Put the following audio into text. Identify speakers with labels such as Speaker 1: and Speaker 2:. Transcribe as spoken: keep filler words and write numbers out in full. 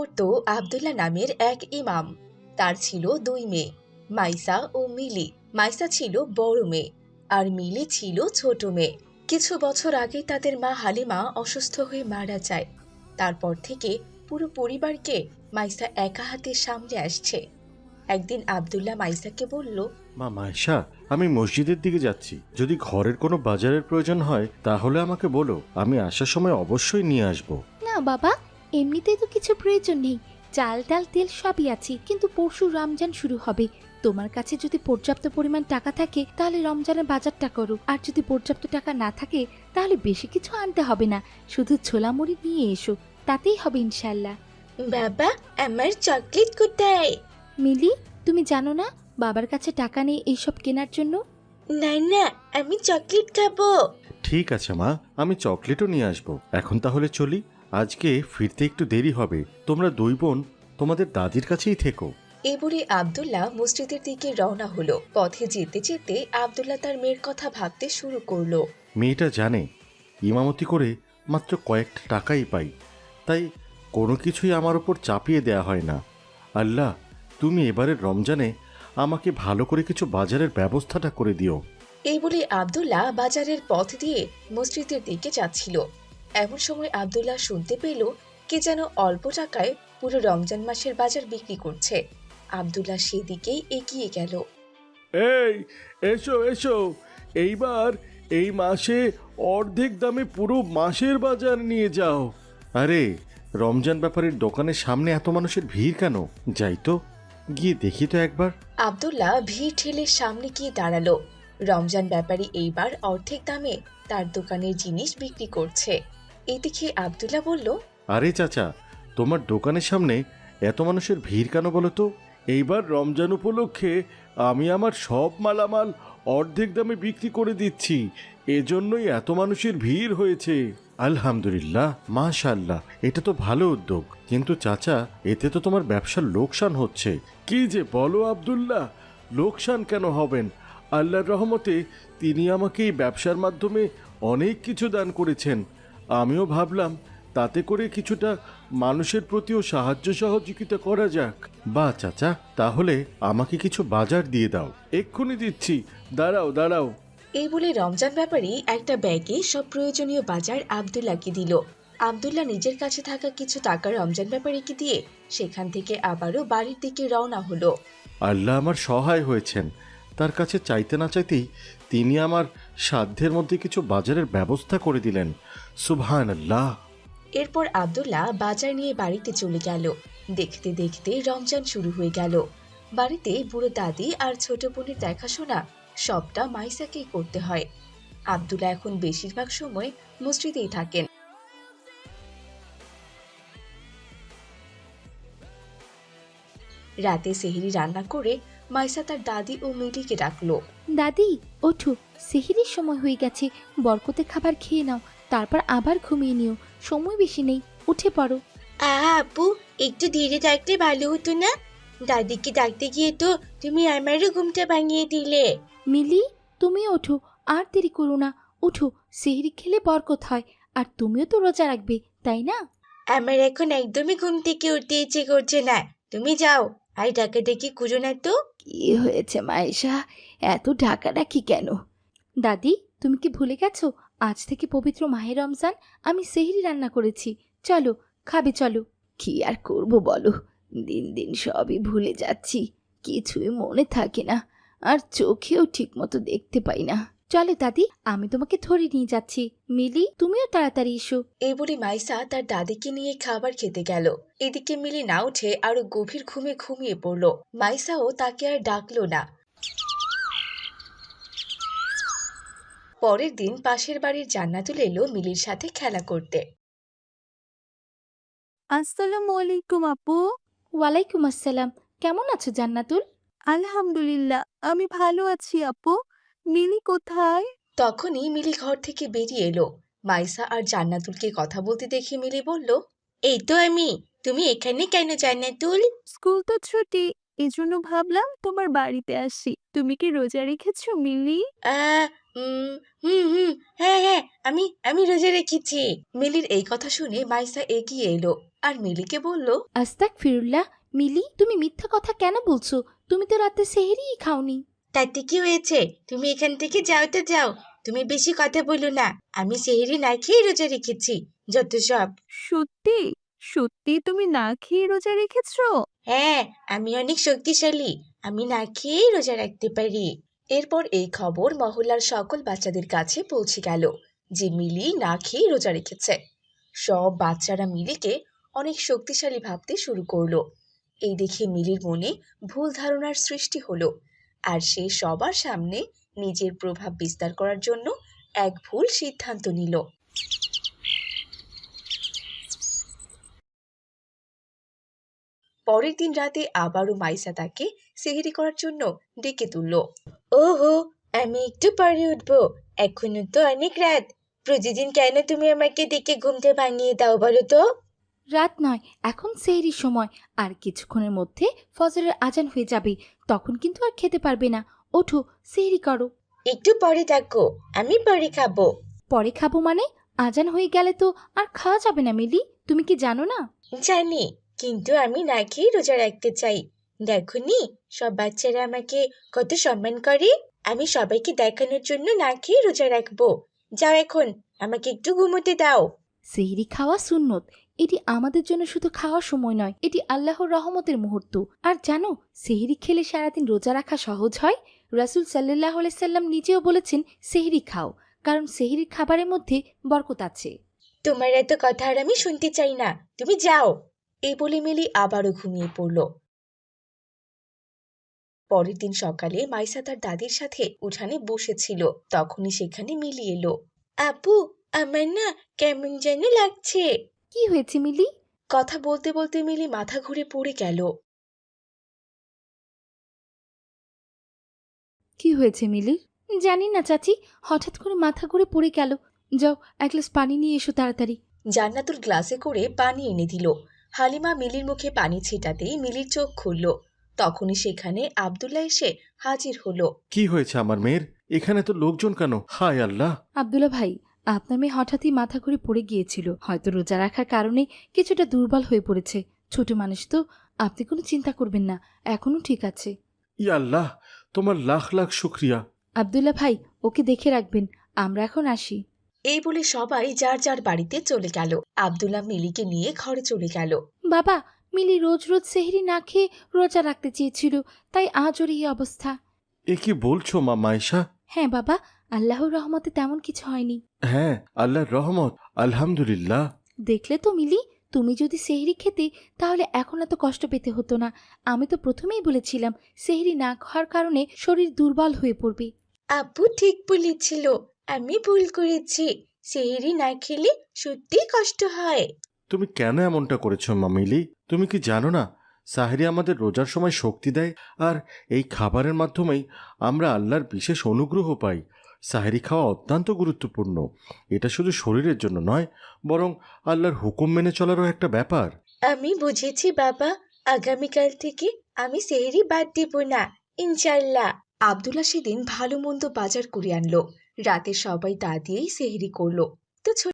Speaker 1: তো আব্দুল্লাহ নামের এক ইমাম। তার ছিল দুই মেয়ে, মাইসা ও মিলি। মাইসা ছিল বড় মেয়ে আর মিলি ছিল ছোট মেয়ে। কিছু বছর আগে তাদের মা হালিমা অসুস্থ হয়ে মারা যায়। তারপর থেকে পুরো পরিবারকে মাইসা একা হাতে সামলে আসছে। একদিন আব্দুল্লাহ মাইসাকে বলল,
Speaker 2: মা মায়েশা, আমি মসজিদের দিকে যাচ্ছি। যদি ঘরের কোনো বাজারের প্রয়োজন হয় তাহলে আমাকে বলো, আমি আসার সময় অবশ্যই নিয়ে আসব।
Speaker 3: না বাবা, এমনিতেই তো কিছু প্রয়োজন নেই। চাল ডাল তেল সবই আছে, কিন্তু পরশু রমজান শুরু হবে। তোমার কাছে যদি পর্যাপ্ত পরিমাণ টাকা থাকে তাহলে রমজানের বাজারটা করো, আর যদি পর্যাপ্ত টাকা না থাকে তাহলে বেশি কিছু আনতে হবে না, শুধু ছোলা মুড়ি নিয়ে এসো, তাতেই হবে ইনশাল্লাহ।
Speaker 1: বাবা, আমার চকলেট কোথায়?
Speaker 3: মিলি, তুমি জানো না বাবার কাছে টাকা নেই এইসব কেনার জন্য?
Speaker 1: না না, আমি চকলেট খাবো।
Speaker 2: ঠিক আছে মা, আমি চকলেটও নিয়ে আসব। এখন তাহলে চলি, আজকে ফিরতে একটু দেরি হবে। তোমরা দুই বোন তোমাদের দাদির কাছেই থেকো।
Speaker 1: এই বলে আব্দুল্লাহ মসজিদের দিকে রওনা হলো। পথে যেতে যেতে আব্দুল্লাহ তার মেয়ের কথা ভাবতে শুরু করলো।
Speaker 2: মেয়েটা জানে ইমামতি করে মাত্র কয়েকটা টাকাই পাই, তাই কোনো কিছুই আমার ওপর চাপিয়ে দেয়া হয় না। আল্লাহ, তুমি এবারের রমজানে আমাকে ভালো করে কিছু বাজারের ব্যবস্থাটা করে দিও।
Speaker 1: এই বলে আব্দুল্লাহ বাজারের পথ দিয়ে মসজিদের দিকে যাচ্ছিল। এমন সময় আব্দুল্লাহ শুনতে পেল কে যেন অল্প টাকায় পুরো রমজান মাসের বাজার বিক্রি করছে। আব্দুল্লাহ সেদিকেই এগিয়ে গেল।
Speaker 2: এই এসো এসো, এইবার এই মাসে অর্ধেক দামে পুরো মাসের বাজার নিয়ে যাও। আরে, রমজান ব্যাপারের দোকানের সামনে এত মানুষের ভিড় কেন? যাই তো, গিয়ে দেখি তো একবার।
Speaker 1: আব্দুল্লাহ ভিড় ঠেলে সামনে গিয়ে দাঁড়ালো। রমজান ব্যাপারী এইবার অর্ধেক দামে তার দোকানের জিনিস বিক্রি করছে। এই দেখে আব্দুল্লাহ বলল,
Speaker 2: আরে চাচা, তোমার দোকানের সামনে এত মানুষের ভিড় কেন বলো তো? এইবার রমজান উপলক্ষে আমি আমার সব মালামাল অর্ধেক দামে বিক্রি করে দিচ্ছি, এজন্যই এত মানুষের ভিড় হয়েছে। আলহামদুলিল্লাহ, মাশাআল্লাহ, এটা তো ভালো উদ্যোগ। কিন্তু চাচা, এতে তো তোমার ব্যবসার লোকসান হচ্ছে। কি যে বলো আব্দুল্লাহ, লোকসান কেন হবেন? আল্লাহর রহমতে তিনি আমাকে এই ব্যবসার মাধ্যমে অনেক কিছু দান করেছেন। আমিও ভাবলাম তাতে করে কিছুটা মানুষের প্রতিও সাহায্য সহযোগিতা করা যাক। বা চাচা, তাহলে আমাকে কিছু বাজার দিয়ে দাও। এক্ষুনি দিচ্ছি, দাঁড়াও দাঁড়াও।
Speaker 1: এই বলে রমজান ব্যাপারী একটা ব্যাগে সব প্রয়োজনীয় বাজার আব্দুল্লাহকে দিল। আব্দুল্লাহ নিজের কাছে থাকা কিছু টাকা রমজান ব্যাপারীকে দিয়ে সেখান থেকে আবারও বাড়ির দিকে রওনা হলো।
Speaker 2: আল্লাহ আমার সহায় হয়েছেন, তার কাছে চাইতে না চাইতেই তিনি আমার সাধ্যের মধ্যে কিছু বাজারের ব্যবস্থা করে দিলেন। সুবহানাল্লাহ।
Speaker 1: এরপর আব্দুল্লাহ বাজার নিয়ে বাড়িতে চলে গেল। দেখতে দেখতে রমজান শুরু হয়ে গেল। বাড়িতে বুড়ো দাদি আর ছোট বোনের দেখাশোনা সবটা মাইসাকেই করতে হয়। আব্দুল্লাহ এখন বেশিরভাগ সময় মসজিদেই থাকেন। রাতে সেহরি রান্না করে মাইসা তার দাদি ও মিলিকে ডাকলো।
Speaker 3: দাদি, ওঠো, সেহরির সময় হয়ে গেছে, বরকতে খাবার খেয়ে নাও, তারপর আবার ঘুমিয়ে নিও, সময় বেশি নেই, উঠে পড়ো।
Speaker 1: আহা আপু, একটু ধীরে ডাকলে ভালো হতো না? দাদিকে ডাকতে গিয়ে তো তুমি আমারও ঘুমটা ভাঙিয়ে দিলে।
Speaker 3: মিলি, তুমি ওঠো, আর দেরি করো না, ওঠো, সেহরি খেলে বরকত হয়, আর তুমিও তো রোজা রাখবে, তাই না?
Speaker 1: আমার এখন একদমই ঘুম থেকে উঠতে ইচ্ছে করছে না। তুমি যাও, আর ডাকাডাকি করো না তো।
Speaker 3: কি হয়েছে মায়েশা, এত ডাকাডাকি কেন? দাদি, তুমি কি ভুলে গেছো আজ থেকে পবিত্র মাহে রমজান? আমি সেহরি রান্না করেছি, চলো খাবে, চলো। কি আর করব বলো, দিন দিন সবই ভুলে যাচ্ছি, কিছুই মনে থাকে না, আর চোখেও ঠিক মতো দেখতে পাই না। চলো দাদি, আমি তোমাকে ধরে নিয়ে যাচ্ছি। মিলি, তুমিও তাড়াতাড়ি এসো।
Speaker 1: এই বলে মাইসা তার দাদিকে নিয়ে খাবার খেতে গেল। এদিকে মিলি না উঠে আরো গভীর ঘুমে ঘুমিয়ে পড়ল। মাইসাও তাকে আর ডাকলো না। পরের দিন পাশের বাড়ির জান্নাতুল এলো মিলির সাথে খেলা করতে।
Speaker 4: আসসালামু আলাইকুম আপু।
Speaker 3: ওয়ালাইকুম আসসালাম। কেমন আছো জান্নাতুল?
Speaker 4: আলহামদুলিল্লাহ, আমি ভালো আছি আপু। মিলি কোথায়?
Speaker 1: তখনই মিলি ঘর থেকে বেরিয়ে এলো। মাইসা আর জান্নাতুলকে কথা বলতে দেখে মিলি বলল, এই তো আমি। তুমি এখানে কেন জান্নাতুল?
Speaker 4: স্কুল তো ছুটি, এজন্য ভাবলাম তোমার বাড়িতে আসি। তুমি কি রোজা রেখেছো মিলি?
Speaker 1: আহ উম হুম হুম হ্যাঁ হ্যাঁ আমি আমি রোজা রেখেছি। মিলির এই কথা শুনে মাইসা এগিয়ে এলো আর মিলিকে বলল,
Speaker 3: আস্তাক ফিরুল্লাহ। মিলি, তুমি মিথ্যা কথা কেন বলছো? তুমি তো রাতে সেহরিই খাওনি।
Speaker 1: তাতে কি হয়েছে? তুমি এখান থেকে যাও তো যাও। তুমি বেশি কথা বলো না। আমি সেহরি না খেয়ে রোজা রেখেছি। যত সব।
Speaker 4: সত্যি? সত্যি তুমি না খেয়ে রোজা রেখেছো?
Speaker 1: হ্যাঁ, আমি অনেক শক্তিশালী। আমি না খেয়েই রোজা রাখতে পারি। এরপর এই খবর মহল্লার সকল বাচ্চাদের কাছে পৌঁছে গেল যে মিলি না খেয়ে রোজা রেখেছে। সব বাচ্চারা মিলিকে অনেক শক্তিশালী ভাবতে শুরু করলো। এই দেখে মিলির মনে ভুল ধারণার সৃষ্টি হলো আর সে সবার সামনে নিজের প্রভাব বিস্তার করার জন্য এক ভুল সিদ্ধান্ত নিল। পরের দিন রাতে আবারও মাইসা তাকে সেহরি করার জন্য ডেকে তুলল। ওহো, আমি একটু পরে উঠবো। এখনো তো অনেক রাত। প্রতিদিন কেন তুমি আমাকে ডেকে ঘুমতে ভাঙিয়ে দাও বলো তো?
Speaker 3: রাত নয়, এখন সেহরির সময়। আর কিছুক্ষণের মধ্যে ফজরের আজান হয়ে যাবে, তখন কিন্তু আর খেতে পারবে না। ওঠো, সেহরি করো।
Speaker 1: একটু পরে থাকো, আমি পরে খাবো।
Speaker 3: পরে খাবো মানে? আজান হয়ে গেলে তো আর খাওয়া যাবে না মিলি, তুমি কি জানো না?
Speaker 1: জানি, কিন্তু আমি না খেয়ে রোজা রাখতে চাই। দেখোনি সব বাচ্চারা আমাকে কত সম্মান করে। আমি সবাইকে দেখানোর জন্য না খেয়ে রোজা রাখবো। যাও এখন, আমাকে একটু ঘুমোতে দাও।
Speaker 3: সেহরি খাওয়া সুন্নত। এটি আমাদের জন্য শুধু খাওয়ার সময় নয়, এটি আল্লাহর রহমতের মুহূর্ত। আর জানো, সেহরি খেলে সারাদিন রোজা রাখা সহজ হয়। রাসূল সাল্লাল্লাহু আলাইহি সাল্লাম নিজেও বলেছেন, সেহরি খাও, কারণ সেহরির খাবারের মধ্যে বরকত আছে।
Speaker 1: তোমার এত কথা আর আমি শুনতে চাই না, তুমি যাও। এই বলে মিলি আবারও ঘুমিয়ে পড়ল। পরের দিন সকালে মাইসা তার দাদির সাথে উঠানে বসেছিল, তখনই সেখানে মিলি এলো। আপু, আমার না কেমন যেন লাগছে।
Speaker 3: কি হয়েছে মিলি?
Speaker 1: কথা বলতে বলতে মিলি মাথা ঘুরে পড়ে গেল।
Speaker 3: কি হয়েছে মিলি? জানি না চাচি, হঠাৎ করে মাথা ঘুরে পড়ে গেল। যাও, এক গ্লাস পানি নিয়ে এসো তাড়াতাড়ি।
Speaker 1: জান্নাতুল গ্লাসে করে পানি এনে দিল। হালিমা মিলির মুখে পানি ছিটাতেই মিলির চোখ খুলল। তখনই সেখানে আব্দুল্লাহ এসে হাজির হলো।
Speaker 2: কি হয়েছে আমার মেয়ের? এখানে তো লোকজন কেন? হায় আল্লাহ!
Speaker 3: আব্দুল্লাহ ভাই, আপনার মেয়ে হঠাৎই মাথা ঘুরে পড়ে গিয়েছিল। হয়তো রোজা রাখার কারণে কিছুটা দুর্বল হয়ে পড়েছে। ছোট মানুষ তো, আপনি কোনো চিন্তা করবেন না, এখনো ঠিক আছে।
Speaker 2: ই আল্লাহ, তোমার লাখ লাখ শুক্রিয়া।
Speaker 3: আব্দুল্লাহ ভাই, ওকে দেখে রাখবেন, আমরা এখন আসি।
Speaker 1: এই বলে সবাই যার যার বাড়িতে চলে গেল। আব্দুল্লাহ মিলিকে নিয়ে ঘরে চলে গেল।
Speaker 3: বাবা, মিলি রোজ রোজ সেহরি না খেয়ে রোজা রাখতে চেয়েছিল, তাই আজ ওর এই অবস্থা।
Speaker 2: এ কি বলছো মা মাইশা?
Speaker 3: হ্যাঁ বাবা, আল্লাহর রহমতে তেমন কিছু হয়নি।
Speaker 2: হ্যাঁ, আল্লাহর রহমত, আলহামদুলিল্লাহ।
Speaker 3: দেখলে তো মিলি, তুমি যদি সেহরি খেতে তাহলে এখন এত কষ্ট পেতে হতো না। আমি তো প্রথমেই বলেছিলাম, সেহরি না খাওয়ার কারণে শরীর দুর্বল হয়ে পড়বে।
Speaker 1: আপু ঠিক বলেছিল, আমি ভুল করেছি। সেহরি না খেলে সত্যিই কষ্ট হয়।
Speaker 2: তুমি কেন এমনটা করেছো মা মিলি? তুমি কি জানো না, সাহরি আমাদের রোজার সময় শক্তি দেয়, আর এই খাবারের মাধ্যমেই আমরা আল্লাহর বিশেষ অনুগ্রহ পাই। সাহরি খাওয়া অত্যন্ত গুরুত্বপূর্ণ। এটা শুধু শরীরের জন্য নয়, বরং আল্লাহর হুকুম মেনে চলারও একটা ব্যাপার।
Speaker 1: আমি বুঝেছি বাবা, আগামীকাল থেকে আমি সেহরি বাদ দিব না, ইনশাল্লাহ। আব্দুল্লাহ সেদিন ভালো মন্দ বাজার করে আনলো। রাতে সবাই তা দিয়েই সেহরি করলো। তো